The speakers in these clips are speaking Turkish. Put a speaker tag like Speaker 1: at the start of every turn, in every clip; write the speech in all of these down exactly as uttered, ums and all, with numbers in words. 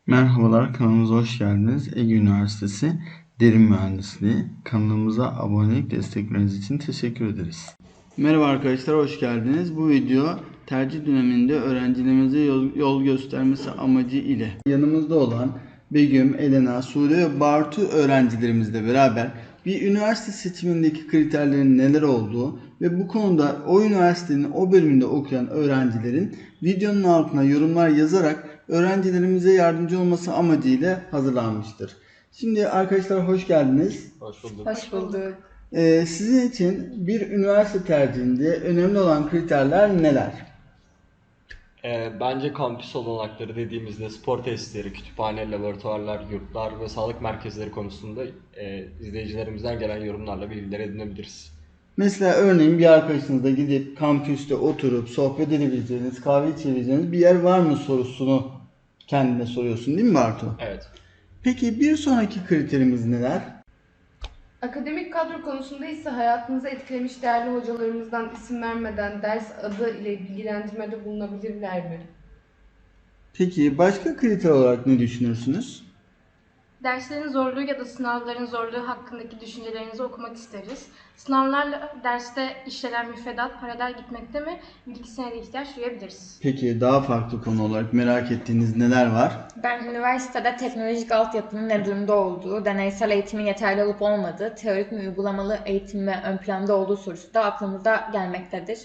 Speaker 1: Merhabalar, kanalımıza hoş geldiniz. Ege Üniversitesi Derin Mühendisliği kanalımıza abonelik destekleriniz için teşekkür ederiz. Merhaba arkadaşlar, hoş geldiniz. Bu video tercih döneminde öğrencilerimize yol, yol göstermesi amacı ile yanımızda olan Begüm, Elena, Sude ve Bartu öğrencilerimizle beraber bir üniversite seçimindeki kriterlerin neler olduğu ve bu konuda o üniversitenin o bölümünde okuyan öğrencilerin videonun altına yorumlar yazarak öğrencilerimize yardımcı olması amacıyla hazırlanmıştır. Şimdi arkadaşlar hoş geldiniz.
Speaker 2: Hoş bulduk.
Speaker 3: Hoş bulduk.
Speaker 1: Ee, sizin için bir üniversite tercihinde önemli olan kriterler neler?
Speaker 2: Ee, bence kampüs olanakları dediğimizde spor tesisleri, kütüphane, laboratuvarlar, yurtlar ve sağlık merkezleri konusunda e, izleyicilerimizden gelen yorumlarla bilgiler edinebiliriz.
Speaker 1: Mesela örneğin bir arkadaşınızla gidip kampüste oturup sohbet edebileceğiniz, kahve içebileceğiniz bir yer var mı sorusunu kendine soruyorsun değil mi Bartu?
Speaker 2: Evet.
Speaker 1: Peki bir sonraki kriterimiz neler?
Speaker 3: Akademik kadro konusunda ise hayatınızı etkilemiş değerli hocalarımızdan isim vermeden ders adı ile bilgilendirmede bulunabilirler mi?
Speaker 1: Peki başka kriter olarak ne düşünürsünüz?
Speaker 4: Derslerin zorluğu ya da sınavların zorluğu hakkındaki düşüncelerinizi okumak isteriz. Sınavlarla derste işlenen müfredat paralel gitmekte mi? Bilgisine de ihtiyaç duyabiliriz.
Speaker 1: Peki daha farklı konu olarak merak ettiğiniz neler var?
Speaker 5: Ben üniversitede teknolojik altyapının ne durumda olduğu, deneysel eğitimin yeterli olup olmadığı, teorik mi uygulamalı eğitim mi ön planda olduğu sorusu da aklımıza gelmektedir.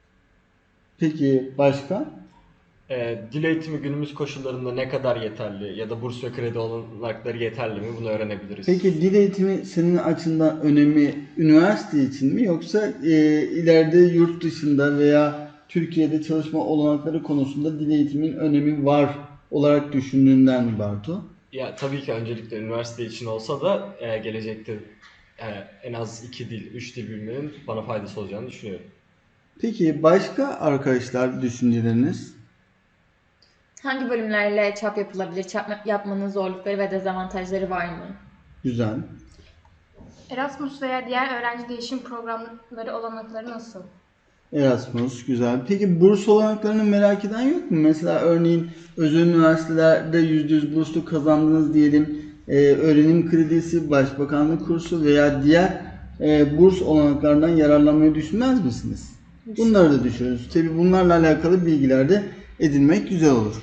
Speaker 1: Peki başka?
Speaker 2: Ee, dil eğitimi günümüz koşullarında ne kadar yeterli ya da burs ve kredi olanakları yeterli mi? Bunu öğrenebiliriz.
Speaker 1: Peki dil eğitimi senin açından önemi üniversite için mi yoksa e, ileride yurt dışında veya Türkiye'de çalışma olanakları konusunda dil eğitimin önemi var olarak düşündüğünden mi Bartu?
Speaker 2: Ya tabii ki öncelikle üniversite için olsa da e, gelecekte e, en az iki dil, üç dil bilmenin bana faydası olacağını düşünüyorum.
Speaker 1: Peki başka arkadaşlar düşünceleriniz?
Speaker 5: Hangi bölümlerle çap yapılabilir, çap yapmanın zorlukları ve dezavantajları var mı?
Speaker 1: Güzel.
Speaker 4: Erasmus veya diğer öğrenci değişim programları olanakları nasıl?
Speaker 1: Erasmus güzel. Peki burs olanaklarını merak eden yok mu? Mesela örneğin özel üniversitelerde yüzde yüz burslu kazandınız diyelim. Ee, öğrenim kredisi, başbakanlık kursu veya diğer e, burs olanaklarından yararlanmayı düşünmez misiniz? Bunları da düşünürüz. Tabii bunlarla alakalı bilgiler de edinmek güzel olur.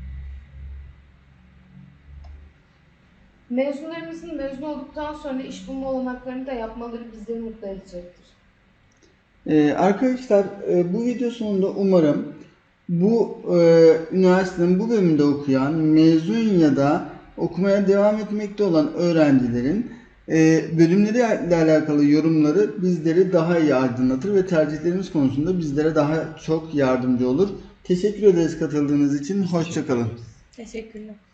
Speaker 3: Mezunlarımızın mezun olduktan sonra iş bulma olanaklarını da yapmaları bizleri mutlu edecektir.
Speaker 1: Ee, arkadaşlar e, bu video sonunda umarım bu e, üniversitenin bu bölümünde okuyan mezun ya da okumaya devam etmekte olan öğrencilerin e, bölümleriyle alakalı yorumları bizleri daha iyi aydınlatır ve tercihlerimiz konusunda bizlere daha çok yardımcı olur. Teşekkür ederiz katıldığınız için. Hoşça kalın.
Speaker 5: Teşekkürler.